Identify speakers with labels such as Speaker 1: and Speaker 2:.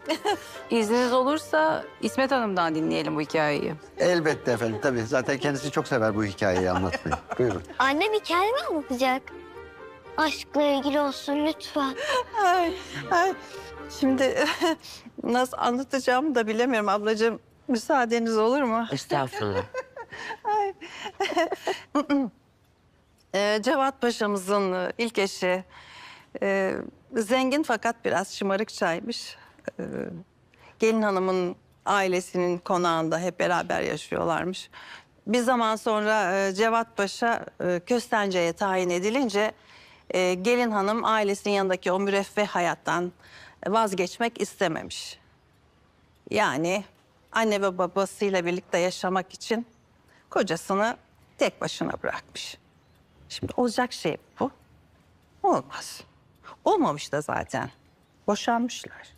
Speaker 1: İzniniz olursa İsmet Hanım'dan dinleyelim bu hikayeyi.
Speaker 2: Elbette efendim, tabii. Zaten kendisi çok sever bu hikayeyi anlatmayı. Buyurun.
Speaker 3: Annem hikaye mi anlatacak? Aşkla ilgili olsun lütfen.
Speaker 4: Ay, ay. Şimdi nasıl anlatacağımı da bilemiyorum ablacığım. Müsaadeniz olur mu?
Speaker 5: Estağfurullah.
Speaker 4: Cevat Paşa'mızın ilk eşi zengin fakat biraz şımarıkçaymış. Gelin hanımın ailesinin konağında hep beraber yaşıyorlarmış. Bir zaman sonra Cevat Paşa Köstence'ye tayin edilince gelin hanım ailesinin yanındaki o müreffeh hayattan vazgeçmek istememiş. Yani anne ve babasıyla birlikte yaşamak için kocasını tek başına bırakmış. Şimdi olacak şey bu. Olmaz. Olmamış da zaten. Boşanmışlar.